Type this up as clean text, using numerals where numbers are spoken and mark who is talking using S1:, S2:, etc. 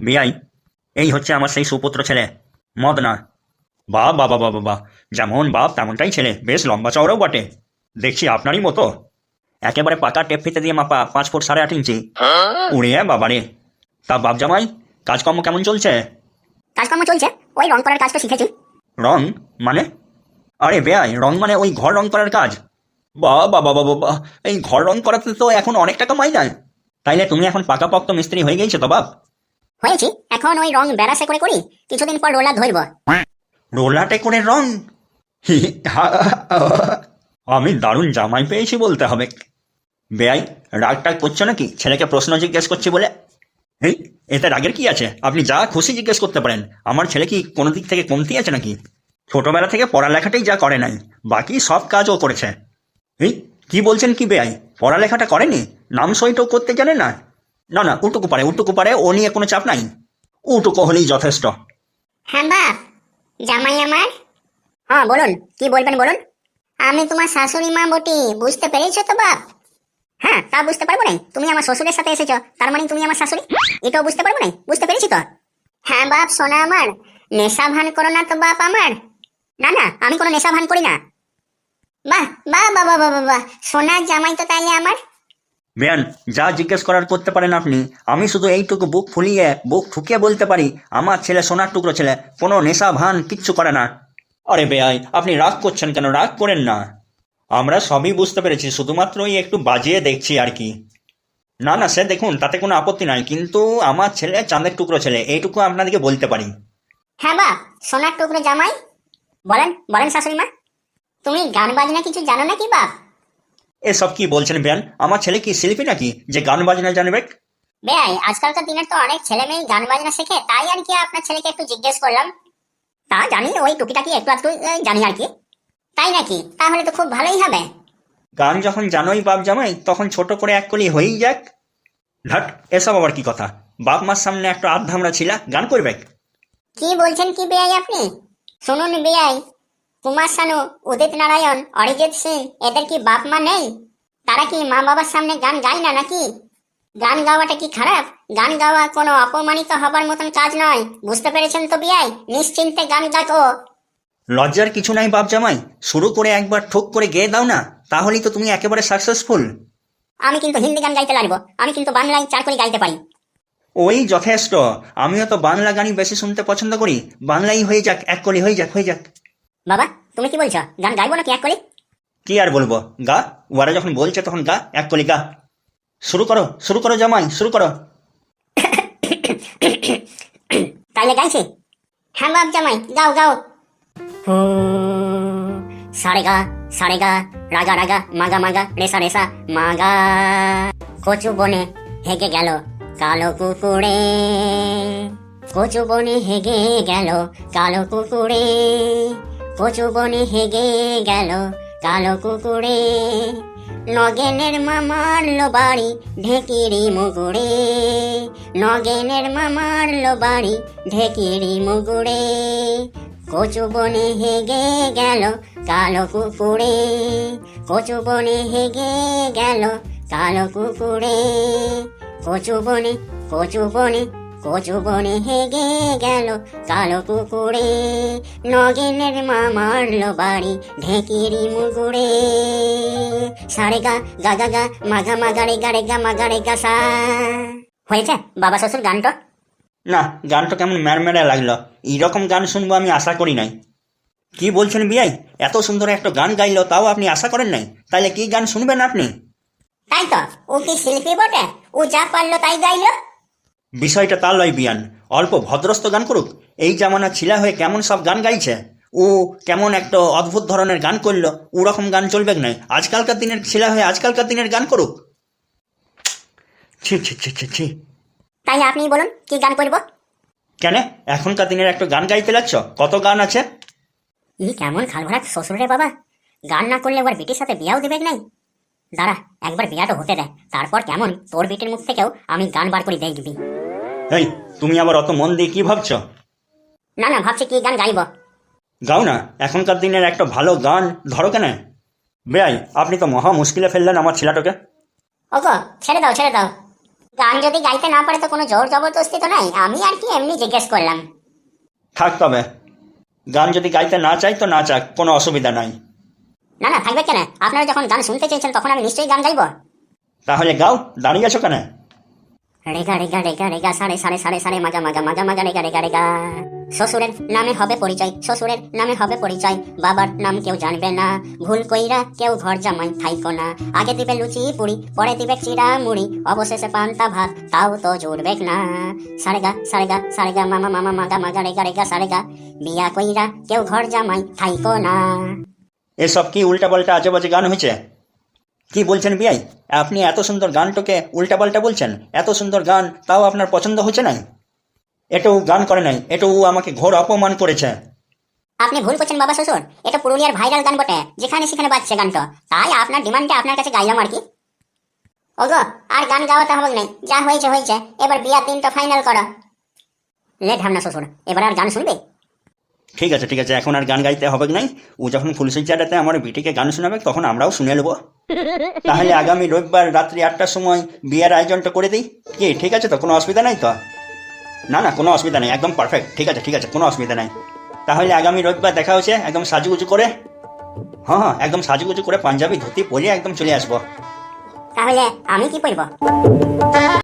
S1: বিআই, এই হচ্ছে আমার সেই সুপুত্র ছেলে মদনা। বাহ বাবা বাবা বাবা, যেমন বাপ তেমনটাই ছেলে, বেশ লম্বা চওড়াও বটে। দেখছি আপনারই মতো, একেবারে পাকা টেপ ফিতে দিয়ে মাপা, 5 ফুট 8.5 ইঞ্চি। উড়িয়ে বাবারে। তা বাপ জামাই, কাজকর্ম কেমন চলছে?
S2: কাজকর্ম চলছে, ওই রং করার কাজটা শিখেছি।
S1: রং মানে? আরে বেআই, রং মানে ওই ঘর রং করার কাজ? বাহ বাবা বাবা বাহ, এই ঘর রং করাতে তো এখন অনেক টাকা মাইনে। তাইলে তুমি এখন পাকাপোক্ত মিস্ত্রি হয়ে গেছো তো বাপ?
S2: হয়েছি, এখন ওই রং বেড়াসে করে করি, কিছুদিন পর রোলার ধরব।
S1: রোলাটে করে রং? আমি দারুণ জামাই পেয়েছি বলতে হবে। বেআই, রাগ টাগ করছো নাকি ছেলেকে প্রশ্ন জিজ্ঞেস করছি বলে? এই, এতে রাগের কি আছে? আপনি যা খুশি জিজ্ঞেস করতে পারেন। আমার ছেলে কি কোনো দিক থেকে কমতি আছে নাকি? ছোটবেলা থেকে পড়ালেখাটাই যা করে নাই, বাকি সব কাজও করেছে। এই, কি বলছেন কি বেআই? পড়ালেখাটা করেনি? নাম সইটাও করতে জানে না? না না, উটুকু পারে, উটুকু পারে, ও নিয়ে কোনো চাপ নাই। উটুকু হলেই যথেষ্ট।
S2: হ্যাঁ বাপ, জামাই আমার। হ্যাঁ বলুন, কি বলবেন বলুন। আমি তোমার শাশুড়ি মা বটি, বুঝতে পেরেছো তো বাপ? হ্যাঁ, তা বুঝতে পারবো না, তুমি আমার শ্বশুরের সাথে এসেছো, তার মানে তুমি আমার শাশুড়ি, এটাও বুঝতে পারবো না, বুঝতে পেরেছি তো। হ্যাঁ বাপ সোনা আমার, নেশা ভান করো না তো বাপ আমার। না না, আমি কোনো নেশা ভান করি না। বাহ বাহ বাবা বাবা বাহ, সোনার জামাই তো তাইলে আমার।
S1: বেয়ান, যা জিজ্ঞেস করার করতে পারেন আপনি। আমি শুধু এইটুকু বুক ফুলিয়ে বুক ঠুকিয়ে বলতে পারি, আমার ছেলে সোনার টুকরো ছেলে, কোনো নেশা ভান কিচ্ছু করে না। আরে বেয়াই, আপনি রাগ করছেন কেন? রাগ করেন না, আমরা সবই বুঝতে পেরেছি, শুধুমাত্র ওই একটু বাজিয়ে দেখছি আর কি। না না, সে দেখুন, তাতে কোনো আপত্তি নাই, কিন্তু আমার ছেলে চাঁদের টুকরো ছেলে, এইটুকু আপনাদেরকে বলতে পারি।
S2: হ্যাঁ বাপ, সোনার টুকরো জামাই। বলেন বলেন শাশুড়ি মা, তুমি গান বাজনা কিছু জানো নাকি বাপ?
S1: এসব কি বলছেন বেয়ান? আমার ছেলে কি শিল্পী নাকি যে গান বাজনা জানবে?
S2: বেয়াই, আজকালকার দিনের তো অনেক ছেলে মেয়ে গান বাজনা শেখে, তাই আর কি আপনার ছেলেকে একটু জিজ্ঞেস করলাম। তা জানি, ওই টুকিটাকি একটু একটু জানি আর কি। তাই নাকি? তাহলে তো খুব ভালোই হবে।
S1: গান যখন জানোই বাপ জামাই, তখন ছোট করে এক কলি হয়েই যাক। ধাট, এসব আবার কি কথা? বাপ মার সামনে একটা আধধামরা ছিলা গান করবে?
S2: কি বলছেন কি বেয়াই আপনি? শুনুন বেয়াই, কুমার শানু, উদিত নারায়ণ, অরিজিৎ সিং, এদের কি বাপ মা নেই? তারা কি মা বাবার সামনে গান গায় না নাকি? গান গাওয়াটা কি খারাপ? গান গাওয়া কোনো অপমানিত হবার মতন কাজ নয়, বুঝতে পেরেছেন তো বেয়াই? নিশ্চিন্তে গান গাও।
S1: লজ্জার কিছু নাই বাপ জামাই, শুরু করে একবার ঠোক করে গেয়ে দাও না, তাহলেই তো তুমি একেবারে সাকসেসফুল।
S2: আমি কিন্তু হিন্দি গান গাইতে লাগবো, আমি কিন্তু বাংলায় 4 করে গাইতে পারি।
S1: ওই যথেষ্ট, আমিও তো বাংলা গানই বেশি শুনতে পছন্দ করি। বাংলাই হয়ে যাক, এক কলি হয়ে যাক, হয়ে যাক।
S2: বাবা তুমি কি বলছো, গান গাইবো নাকি এক করে?
S1: কি আর বলবো, গা। ওরা যখন বলছে তখন গা, এক কলি গা। শুরু করো জামাই, শুরু করো।
S2: তাইলে গাইছি। হ্যাঁ বাপ জামাই, গাও গাও। হো সারে গা, সারে গা, রাগা রাগা, মাগা মাগা, রেসা রেসা, মাগা। কচু বনে হেগে গেল কালো কুকুরে, কচু বনে হেগে গেল কালো কুকুরে, কচু বনে হেগে গেল কালো কুকুরে। নগেনের মামার লো বাড়ি ঢেকিরি মুগুড়ে, নগেনের মামার লো বাড়ি ঢেকিরি মুগুড়ে। কচু বনে হেগে গেল কালো কুকুরে, কচু বনে হেগে গেল কালো কুকুরে। কচু বনে, কচু বনে, কচু বনে হেগে গেল কালো কুকুরে। নগেনের মামার লো বাড়ি ঢেকিরি মুগুড়ে। সারে গা গা গা গা, মাগা মাগা রে গা রে গা, মাগা রে গা সা। হয়েছে বাবা শ্বশুর গানটা?
S1: না, গানটা কেমন ম্যারমেরা লাগলো, এইরকম গান শুনবো আমি আশা করি নাই। কি বলছেন বিয়াই, এত সুন্দর একটা গান গাইলো, তাও আপনি আশা করেন নাই? তাইলে কি গান শুনবেন আপনি?
S2: তাই তো, ও কি শিল্পী বটে, ও যা পারলো তাই গাইলো।
S1: বিষয়টা তা লয় বিয়ান, অল্প ভদ্রস্থ গান করুক। এই জামানা ছিলা হয়ে কেমন সব গান গাইছে, ও কেমন একটা অদ্ভুত ধরনের গান করলো, ওরকম গান চলবে না। আজকালকার দিনের ছিলা হয়ে আজকালকার দিনের গান করুক। ছি ছি ছি ছি ছি।
S2: তাই আপনি বলুন কি গান করবো?
S1: কেন, এখনকার দিনের একটা গান গাইতে লাগছ? কত গান আছে।
S2: ই কেমন খালভরা শ্বশুর রে বাবা, গান না করলে ওর বিটির সাথে বিয়াও দেবে নাই। দাঁড়া, একবার বিয়াটা হতে দেয়, তারপর কেমন তোর বিটির মুখ থেকেও আমি গান বার করে দেখবি।
S1: এই, তুমি আবার অত মন দিয়ে কি ভাবছো?
S2: না না, ভাবছি কি গান গাইব।
S1: গাও না, এখনকার দিনের একটা ভালো গান ধরো কেন। বেআই, আপনি তো মহা মুশকিলে ফেললেন আমার ছেলেটাকে।
S2: ওগো ছেড়ে দাও ছেড়ে দাও। গান যদি গাইতে না পারে তো কোনো জোর জবরদস্তি তো নাই, আমি আর কি এমনি জিজ্ঞেস করলাম।
S1: থাক তবে, গান যদি গাইতে না চাই তো না চাক, কোনো অসুবিধা নাই।
S2: না না, থাকবে কেন? আপনারা যখন গান শুনতে চেয়েছেন তখন আমি নিশ্চয়ই গান গাইবো।
S1: তাহলে গাও, দাঁড়িয়ে আছো কেন?
S2: রেগা রেগা রেগা রেগা সাড়ে সাড়ে সাড়ে সাড়ে মাজা মাজা মাজা মাজা রেগা রেগা রেগা। শ্বশুরের নামে হবে পরিচয়, শ্বশুরের নামে হবে পরিচয়, বাবার নাম কেউ জানবে না, ভুল কইরা কেউ ঘর জামাই থাইকো না, আগে দিবে লুচি পুরি পরে দিবে চিড়া মুড়ি, অবশেষে পান্তা ভাত তাও তো জুড়বে না। সারেগা সারেগা সারেগা মামা মামা মাগা মাগা রেগা রেগা সারেগা, বিয়া কইরা কেউ ঘর জামাই থাইকো না।
S1: এসব কি উল্টাপাল্টা আজে বাজে গান হয়েছে? কি বলছেন বিয়াই? আপনি এত সুন্দর গানটাকে উল্টাপাল্টা বলছেন? এত সুন্দর গান তাও আপনার পছন্দ হচ্ছে না? এটাও গান করে নাই, এটাও আমাকে ঘোর অপমান করেছে।
S2: আপনি ভুল করছেন বাবা শ্বশুর, এটা পুরুলিয়ার ভাইরাল গান বটে, যেখানে সেখানে বাজছে গানটা, তাই আপনার ডিমান্ডে আপনার কাছে গাইলাম আর কি। ওগো, আর গান গাওয়াতে হবে নাই, যা হয়েছে হয়েছে, এবার বিয়ার দিনটা ফাইনাল করো। লে ঢামনা শ্বশুর, এবার আর গান শুনবে?
S1: ঠিক আছে ঠিক আছে, এখন আর গান গাইতে হবে নাই। ও যখন ফুলসজ্জাটাতে আমার বিটিকে গান শোনাবে তখন আমরাও শুনে নেবো। তাহলে আগামী রবিবার রাত্রি 8টার সময় বিয়ের আয়োজনটা করে দিই কি? ঠিক আছে তো, কোনো অসুবিধা নাই তো? না না, কোনো অসুবিধা নেই, একদম পারফেক্ট, ঠিক আছে ঠিক আছে, কোনো অসুবিধা নাই। তাহলে আগামী রবিবার দেখা হচ্ছে, একদম সাজুগুজু করে। হ্যাঁ হ্যাঁ, একদম সাজুগুজু করে পাঞ্জাবি ধুতি পরে একদম চলে আসবো।
S2: তাহলে আমি কি পরবো?